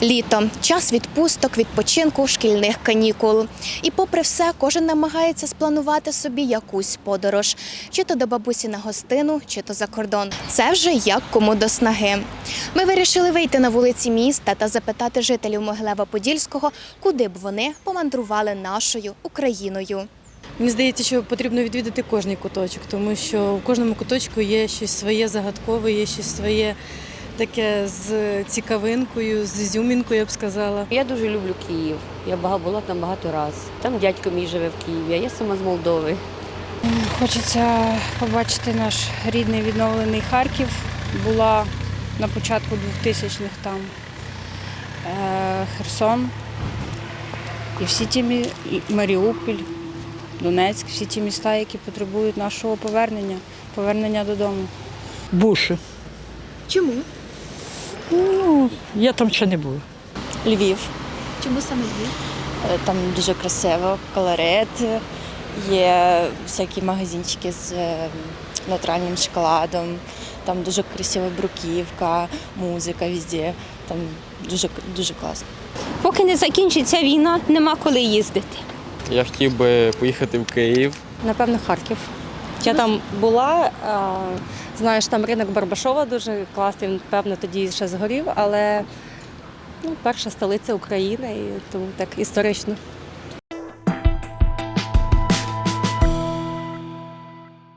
Літо – час відпусток, відпочинку, шкільних канікул. І попри все, кожен намагається спланувати собі якусь подорож. Чи то до бабусі на гостину, чи то за кордон. Це вже як кому до снаги. Ми вирішили вийти на вулиці міста та запитати жителів Могилева-Подільського, куди б вони помандрували нашою Україною. Мені здається, що потрібно відвідати кожний куточок, тому що в кожному куточку є щось своє загадкове, є щось своє таке з цікавинкою, з ізюмінкою, я б сказала. Я дуже люблю Київ. Я була там багато разів. Там дядько мій живе в Києві, а я сама з Молдови. Хочеться побачити наш рідний відновлений Харків. Була на початку 2000-х там Херсон і всі ті Маріуполь, Донецьк, всі ті міста, які потребують нашого повернення додому. Буші. Чому? Я там ще не була. Львів. Чому саме Львів? Там дуже красиво, колорит, є всякі магазинчики з натуральним шоколадом, там дуже красива бруківка, музика везде, там дуже класно. Поки не закінчиться війна, нема коли їздити. Я хотів би поїхати в Київ. Напевно, Харків. Я там була, знаєш, там ринок Барбашова дуже класний, він, певно, тоді ще згорів, але перша столиця України, і тому так історично.